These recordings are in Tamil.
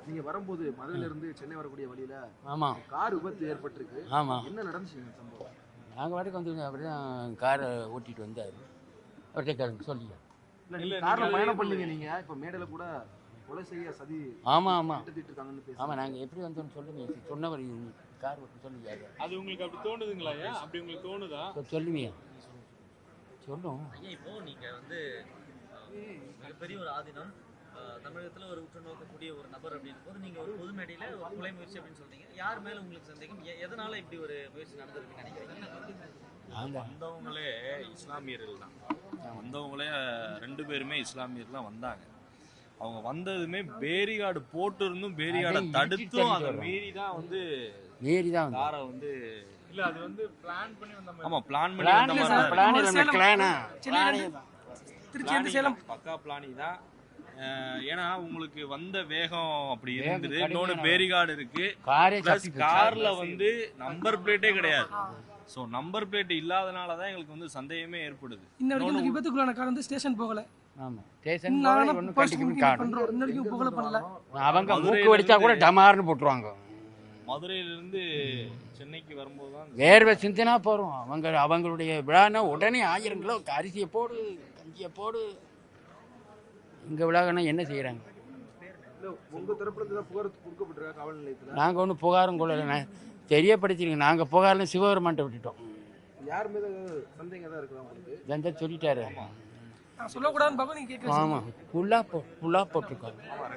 நீங்க வரும்போது மதுரையில இருந்து சென்னை வரக்கூடிய வழியில கார் விபத்து ஏற்பட்டிருக்கு. என்ன நடந்துச்சு சம்பவம்? நாங்கள் வாட்டுக்கு வந்துருங்க. அப்படிதான் காரை ஓட்டிட்டு வந்தார். அவர்கிட்ட சொல்லியா இல்ல கார்ல பயணம் பண்ணீங்க நீங்க. இப்ப மேடையில கூட கொலை செய்ய சதி இருக்காங்கன்னு பேசி. நாங்கள் எப்படி வந்தோம்னு சொல்லுங்க. சொன்னவர் கார் ஓட்டு சொல்லுங்க. அது உங்களுக்கு அப்படி தோணுதுங்களா? அப்படி உங்களுக்கு தோணுதா? சொல்லுவியா சொல்லும். இப்போ நீங்க வந்து மிகப்பெரிய ஒரு ஆதீனம் தமிழகத்துல ஒரு உற்று நோக்கக்கூடிய ஒரு நபர் அப்படின்னு போது நீங்க ஒரு பொது மேடையில ஒரு கொலை முயற்சி அப்படின்னு சொல்றீங்க. யார் மேல உங்களுக்கு சந்தேகம்? எதனால இப்படி ஒரு முயற்சி நடந்திருக்குன்னு நினைக்கிறீங்க? வந்தவங்களே இஸ்லாமியர்கள் தான். வந்தவங்களே 2 பேருமே இஸ்லாமியர் தான் வந்தாங்க. அவங்க வந்ததுமே பேரிகார்டு போட்டு இருந்தும் பேரிகார்டை தடுத்தும் அதை மீறி தான் காரை வந்து இல்ல அது வந்து பிளான் பண்ணி வந்த மாதிரி. ஆமா பிளான் பண்ணி வந்த மாதிரி திருச்சி சேலம் பக்கா பிளானி தான். ஏன்னா உங்களுக்கு வந்த வேகம் அப்படி இருந்தது. இன்னொன்னு பேரிகார்டு இருக்கு. கார்ல வந்து நம்பர் பிளேட்டே கிடையாது. சோ நம்பர் பிளேட் இல்லாதனாலதான் எங்களுக்கு வந்து சந்தேகமே ஏற்படுது. இன்னொரு விபத்துக்குள்ளான கார் வந்து ஸ்டேஷன் போகல. ஆமா ஸ்டேஷன் போகல. ஒண்ணு கண்டிப்பா கார் இன்னொரு போகல பண்ணல. அவங்க மூக்கு வெடிச்சா கூட டமார்னு போட்டுருவாங்க. மதுரையில இருந்து சென்னைக்கு வரும்போது தான் வேர்வை சிந்தினா போறோம். அவங்களுடைய விழானா உடனே 1000 கிலோ அரிசியை போடு, கஞ்சியை போடு. இங்க விழாங்கன்னா என்ன செய்யறாங்க? உங்க தரப்புல இருந்து புகார் கொடுக்கப்பட்டிருக்கா காவல் நிலையத்துல? நாங்க ஒன்றும் புகாரும் கொள்ளல. தெரியப்படுத்திருக்கீங்க. நாங்க புகார்ல சிவபெருமான்ட்ட விட்டுட்டோம். யார் மீது சந்தேகம் தான் இருக்குதா உங்களுக்கு? ஜெண்டா சொல்லிட்டாரு. சொல்லக்கூடாதுன்னு பாக்க நீங்க கேக்குறீங்க. ஆமா ஃபுல்லா போட்டுருக்காங்க.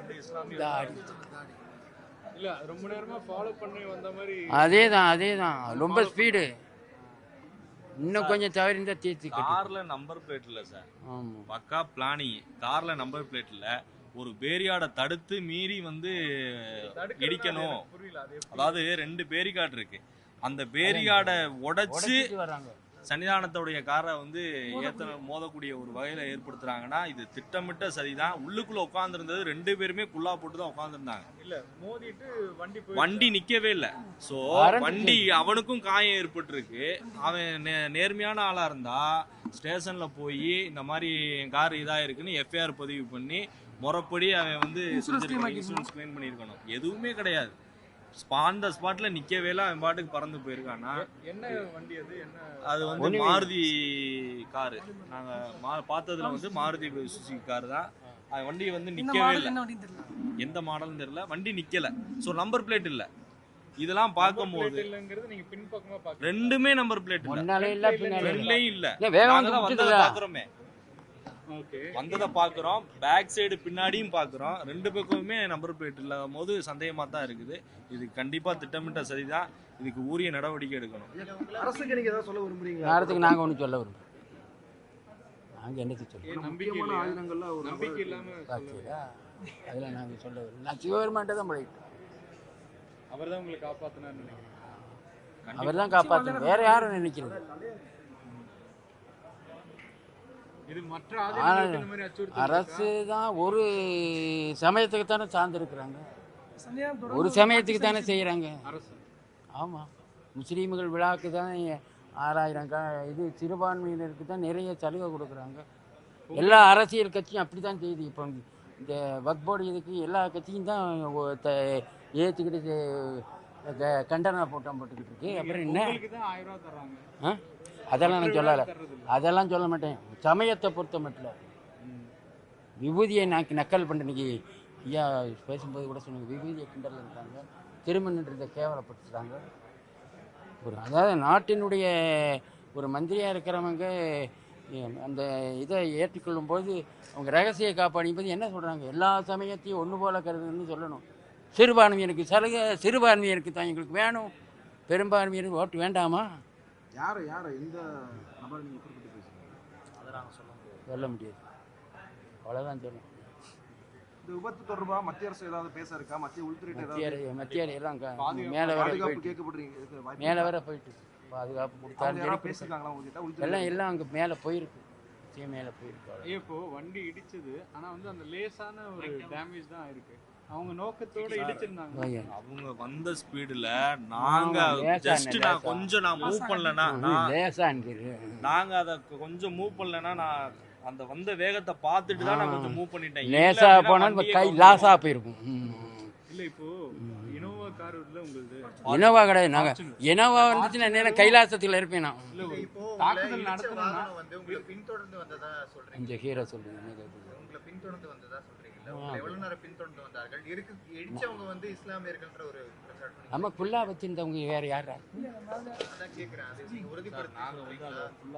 இல்ல ரொம்ப நேரமா ஃபாலோ பண்ணி வந்த மாதிரி. அதேதான் ரொம்ப ஸ்பீடு. இன்னும் கொஞ்சம் தவறி இருந்தா தீர்த்து. கார்ல நம்பர் பிளேட் இல்ல சார். பக்கா பிளானி. கார்ல நம்பர் பிளேட் இல்ல. ஒரு பேரிகார்டை தடுத்து மீறி வந்து இடிக்கணும். அதாவது 2 பேரிகார்டு இருக்கு. அந்த பேரிகார்டை உடைச்சு சன்னிதானத்தோடைய காரை வந்து மோதக்கூடிய ஒரு வகையில ஏற்படுத்துறாங்கன்னா இது திட்டமிட்ட சரிதான். உள்ளுக்குள்ள உட்கார்ந்துருந்தது 2 பேருமே குல்லா போட்டு தான் உட்கார்ந்துருந்தாங்க. இல்ல மோதிட்டு வண்டி நிக்கவே இல்லை. சோ வண்டி அவனுக்கும் காயம் ஏற்பட்டிருக்கு. அவன் நேர்மையான ஆளா இருந்தா ஸ்டேஷன்ல போய் இந்த மாதிரி கார் இதா இருக்குன்னு எஃப்ஐஆர் பதிவு பண்ணி முறைப்படி அவன் வந்து இன்சூரன்ஸ் கிளைம் பண்ணியிருக்கணும். எதுவுமே கிடையாது. ஆன் ஸ்பாட்ல நிக்கவே இல்லை. அவன் பாட்டுக்கு பறந்து போயிருக்கானா. என்ன வண்டி அது? அது வந்து மாருதி காரு. நாங்க பார்த்ததுல வந்து மாருதி சுசுகி கார் தான். அது வண்டி வந்து நிக்கவே இல்லை. எந்த மாடல்னு தெரியல. வண்டி நிக்கல. சோ நம்பர் பிளேட் இல்ல. இதெல்லாம் பார்க்கும்போது நீங்க பின்பக்கமா பாக்க 2மே நம்பர் பிளேட் இல்ல. ரெண்டுலயும் இல்ல. பாக்குறோமே. வந்ததை பாக்குறோம். பேக் சைடு பின்னாடியும் பாக்குறோம். 2 பக்கமுமே நம்பர் பிளேட் இல்லாத போது சந்தேகமா தான் இருக்குது. இது கண்டிப்பா திட்டமிட்ட சரிதான். இதுக்கு உரிய நடவடிக்கை எடுக்கணும். அரசுக்கு நீங்க ஏதாவது சொல்ல விரும்புறீங்களா? அரசுக்கு நாங்க ஒன்றும் சொல்ல விரும்புறோம். நாங்க என்னது சொல்றோம்? நம்பிக்கையான ஆயுதங்கள்ல ஒரு நம்பிக்கை இல்லாம அதுல நாங்க சொல்ல விரும்புறோம். நான் சிவபெருமான்ட்ட தான் போயிட்டோம். அவர் தான் உங்களை காப்பாத்தினார்னு நினைக்கிறேன். அவர் தான் காப்பாத்தணும். வேற யாரும் நினைக்கிறது? இது மற்ற ஆதீனங்கள் மாதிரி அச்சுறுத்தல். அரசு தான் ஒரு சமயத்துக்கு தானே சார்ந்திருக்கிறாங்க. ஒரு சமயத்துக்கு தானே செய்யறாங்க அரசு. ஆமா முஸ்லீம்கள் விழாக்கு தான் 6000 இது சிறுபான்மையினருக்கு தான் நிறைய சலுகை கொடுக்குறாங்க. எல்லா அரசியல் கட்சியும் அப்படி தான் செய்யுது. இப்போ இந்த வக்ஃப் போர்டு இதுக்கு எல்லா கட்சியும் தான் ஏற்றுக்கிட்டு கண்டன போட்டம் போட்டுக்கிட்டு இருக்கு. அப்புறம் என்ன? 1000 ரூபாய் தர்றாங்க. அதெல்லாம் நான் சொல்லலை. அதெல்லாம் சொல்ல மாட்டேன். சமயத்தை பொறுத்த மட்டும் விபூதியை நக்கல் பண்ண இன்னைக்கு ஐயா பேசும்போது கூட சொன்னாங்க. விபூதியை கிண்டல் இருக்கிறாங்க. திருமணத்தை கேவலப்படுத்துகிறாங்க. அதாவது நாட்டினுடைய ஒரு மந்திரியாக இருக்கிறவங்க அந்த இதை ஏற்றுக்கொள்ளும் போது அவங்க ரகசிய காப்பாடிப்பது என்ன சொல்கிறாங்க? எல்லா சமயத்தையும் ஒன்று போல கருதுன்னு சொல்லணும். சிறுபான்மையினருக்கு சலுகை சிறுபான்மையினருக்கு தான் எங்களுக்கு வேணும். பெரும்பான்மையினருக்கு ஓட்டு வேண்டாமா? யார் எந்த நபரை நீங்கள் குறிப்பிட்டு பேசுகிறீங்க? அதை நாங்கள் சொல்ல முடியாது. அவ்வளோதான் சொல்லணும். இந்த விபத்து தொடர்பாக மத்திய அரசு ஏதாவது பேச இருக்கா? மத்திய உள்துறை மத்திய எல்லாம் மேலே வர கேட்கப்படுறீங்க. மேலே வர போயிட்டு பாதுகாப்பு கொடுத்தாலும் பேசியிருக்காங்களா? எல்லாம் அங்கே மேலே போயிருக்கு. மேலே போயிருக்கு. இப்போ வண்டி இடிச்சது. ஆனால் வந்து அந்த லேசான ஒரு டேமேஜ் தான் இருக்கு. அவங்க நோக்கத்தோட இடிச்சிருந்தாங்க. அவங்க வந்த ஸ்பீடுல நாங்க ஜஸ்ட் நான் கொஞ்சம் மூவ் பண்ணலனா நாங்க அத கொஞ்சம் மூவ் பண்ணலனா நான் அந்த வந்த வேகத்தை பார்த்துட்டு தான் நான் கொஞ்சம் மூவ் பண்ணிட்டேன். லேசா போனா கை லாஸா போயிருக்கும். இல்ல இப்போ இனோவா கார் இல்ல உங்களுக்கு இனோவா கிடையாது. நாங்கள் இனோவா வந்துச்சுன்னா நேரம் கைலாசத்தில் இருப்பேன் நான். தாக்குதல் நடத்தணும்னா வந்து உங்களை பின்தொடர்ந்து வந்ததா சொல்றீங்க. இந்த ஹீரோ சொல்லுங்க. உங்களை பின்தொடர்ந்து வந்ததா சொல்றீங்கல்ல. உங்களை எவ்வளவு நேரம் பின்தொடர்ந்து வந்தார்கள்? இடிச்சவங்க வந்து இஸ்லாமியர்கள்ன்ற ஒரு குற்றச்சாட்டு. நம்ம குல்லா வச்சிருந்தவங்க வேற யாரா? அதான் கேக்குறேன். அது நீங்க உறுதிப்படுத்தி நாங்க வந்து சொல்றீங்களா? அதை ஃபுல்லா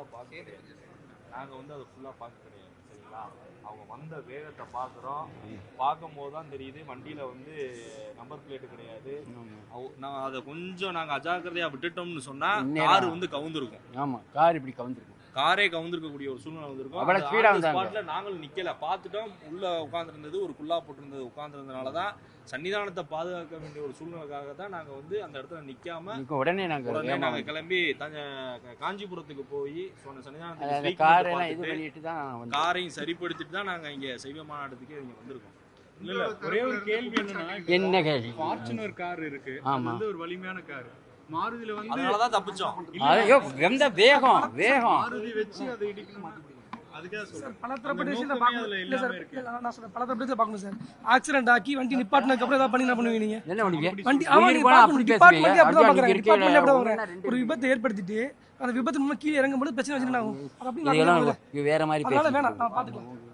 பார்க்க கிடையாது சரிங்களா. அவங்க வந்த வேகத்தை பார்க்குறோம். பார்க்கும்போது தான் தெரியுது வண்டியில வந்து நம்பர் பிளேட்டு கிடையாது. நான் அதை கொஞ்சம் நாங்க அஜாக்கிரதையா விட்டுட்டோம்னு சொன்னா கார் வந்து கவுந்திருக்கும். ஆமா, கார் இப்படி கவுந்திருக்கும். காரே கவுந்திருக்கக்கூடிய ஒரு சூழ்நிலை வந்திருக்கும். அவ்வளவு ஸ்பீடா வந்தாங்க. ஸ்பாட்ல நாங்களும் நிக்கல, பார்த்துட்டோம். உள்ள உட்கார்ந்துருந்தது ஒரு குல்லா போட்டிருந்தது உட்கார்ந்துருந்தனால தான் சன்னிதானத்தை பாதுகாக்க வேண்டிய ஒரு சூழ்நிலைக்காக தான் நாங்க வந்து அந்த இடத்துல நிக்காம உடனே நாங்க கிளம்பி காஞ்சிபுரத்துக்கு போய் சன்னிதானத்துக்கு கார் எல்லாம் இது பண்ணிட்டு தான் வந்து காரையும் சரிப்படுத்திட்டு தான் நாங்க இங்க சைவ மாநாட்டுக்கு இங்க வந்திருக்கோம். இல்ல ஒரே ஒரு கேள்வி என்னன்னா, என்ன கேள்வி? ஃபார்ச்சுனர் கார் இருக்கு, அது ஆமா. வந்து ஒரு வலிமையான கார். மாருதியில வந்து அதனாலதான் தப்பிச்சோம். ஐயோ, எந்த வேகம் மாருதி வச்சு அதை இடிக்கணும். அதுக்காக சொல்றேன். பல தரப்பட்ட விஷயத்தை நோக்கமே பார்க்கணும். அதுல இல்ல சார், எல்லாமே இருக்கு. இல்ல, நான் சொல்றேன், பல தரப்பட்ட விஷயத்தை பார்க்கணும் சார். ஆக்சிடென்ட் ஆக்கி வண்டி நிப்பாட்டினதுக்கு அப்புறம் ஏதாவது பண்ணி என்ன பண்ணுவீங்க நீங்க? என்ன பண்ணுவீங்க? வண்டி ஆமா, உயிர் நீங்க போனா பார்க்கணும். அப்படி டிபார்ட்மெண்ட் பேசுவீங்க. அப்படிதான் பார்க்கறாங்க. அதுக்கு டிபார்ட்மெண்ட் இருக்கையில அப்படிதான் ஒண்ணா ரெண்டு ஒரு விபத்தை ஏற்படுத்திட்டு அந்த விபத்து மூலமா கீழே இறங்கும்போது பிரச்சனை வச்சுட்டு ஆகும். அது அப்படி இதெல்லாம் இது வேற மாதிரி அதனால பேசுறீங்க. வேணாம், நான் பாத்துக்கலாம்.